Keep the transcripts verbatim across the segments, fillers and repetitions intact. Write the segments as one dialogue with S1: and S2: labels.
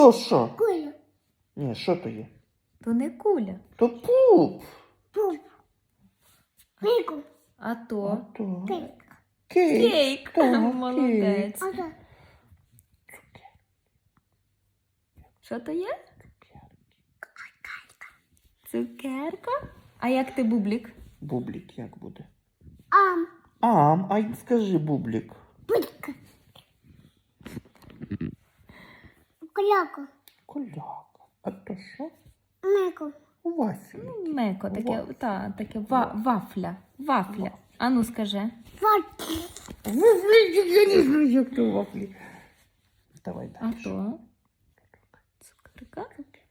S1: То що?
S2: Куля.
S1: Ні, що то є?
S3: То не куля.
S1: То пуп.
S2: Пуп. Мику.
S3: А то
S1: То.
S2: Кейк.
S1: Кейк.
S3: кейк.
S1: Так,
S3: Молодець.
S2: А то.
S3: Що то є? Цукерка. А як ти, Бублік?
S1: Бублік як буде?
S2: Ам.
S1: Ам, ай, скажи бублік.
S2: Путька. Коляка.
S1: Коляка. А то що?
S2: Мику.
S1: Вафлі.
S3: Меко, таке,
S1: Вафля.
S3: та, таке ва, вафля. Вафля. А ну скажи.
S2: Фат.
S1: Я не знаю, як то вафлі. Давай
S3: А
S1: далі.
S3: то? Цукерка?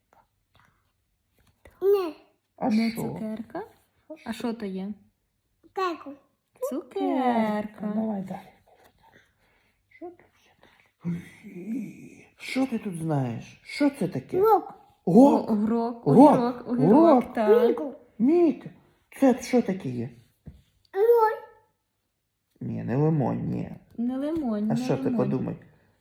S2: Не.
S1: А
S3: Не
S1: що?
S3: цукерка. А що то є?
S2: Кейку.
S3: Цукерка.
S1: Давай далі. Що тут ще далі? Що ти тут знаєш? Що це таке?
S2: Лук.
S1: Гок.
S3: Огірок,
S1: Гок.
S3: огірок,
S1: Гок.
S3: огірок, так.
S2: Мику.
S1: Міка. Це що таке є?
S2: Лук.
S1: Ні, не лимон, ні.
S3: Не лимон,
S1: А
S3: не
S1: що ти
S3: лимон.
S1: подумай?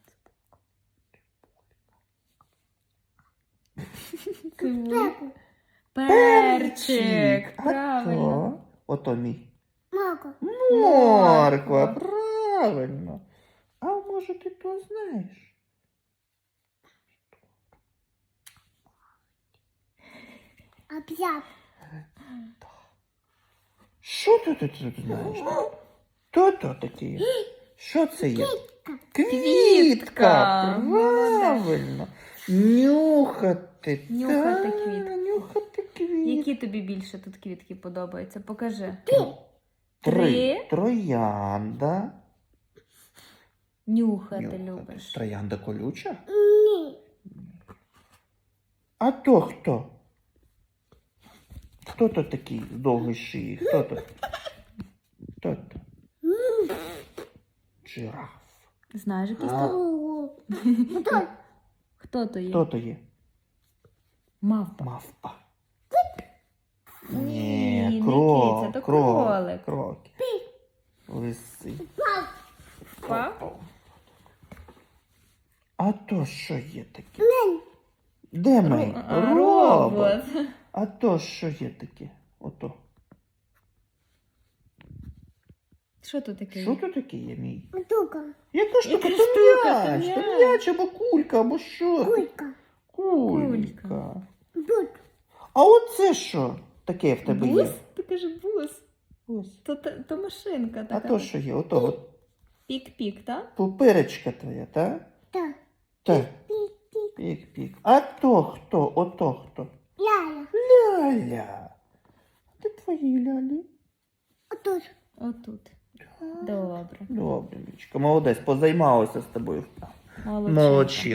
S3: Цибуля.
S2: Кейку.
S3: Перчик.
S1: А
S3: Правильно.
S1: то? Ото мій.
S2: Маку.
S1: Морква, правильно. А може ти то знаєш?
S2: Об'яв.
S1: Що ти тут тут знаєш? То то таке є? Що це є? Квітка. Правильно. Нюхати.
S3: Нюхати
S1: Та,
S3: квітку.
S1: Нюхати квітку.
S3: Які тобі більше тут квітки подобаються? Покажи.
S1: Три.
S3: Три.
S1: Троянда.
S3: Нюхати
S1: Нюхати.
S3: любиш.
S1: Троянда колюча?
S2: Ні.
S1: А то хто? Хто то такий з довгої шиї? Хто то? Хто то? Жираф.
S3: Знаєш якийсь
S1: А.
S3: то?
S2: Ого. Хто?
S3: Хто то є?
S1: Хто то є?
S3: Мавпа.
S1: Мавпа.
S3: Ні,
S1: Ні,
S3: не
S1: крок,
S3: киця, то
S1: крок,
S3: кролик.
S1: крок. Лиси.
S3: Па?
S1: А то що є таке?
S2: Мен.
S1: Де ми?
S3: А, робот.
S1: А то що є таке? Ото.
S3: Що тут таке?
S1: Що то таке є, мій?
S2: Штука.
S1: Яка штука?
S3: Яка
S1: То
S3: штука? То
S1: м'яч, то
S3: м'яч.
S1: м'яч або кулька, або що?
S2: Кулька.
S1: Кулька.
S2: Тут.
S1: А оце що таке в тебе
S3: Бус?
S1: є?
S3: Ти кажеш бус.
S1: Ось.
S3: То, то, то машинка
S1: А
S3: така.
S1: то що є? Ото от
S3: Пік-пік, так?
S1: пупирочка твоя, так?
S2: Так.
S1: Так.
S2: Пік-пік.
S1: Пік-пік. А то хто? Ото хто?
S2: Ляля.
S1: Ляля. Де твої лялі?
S2: Отут.
S3: Отут. Добре.
S1: Добре, Мічка, молодець, позаймалася з тобою.
S3: Молодчинка.
S1: Молодчина.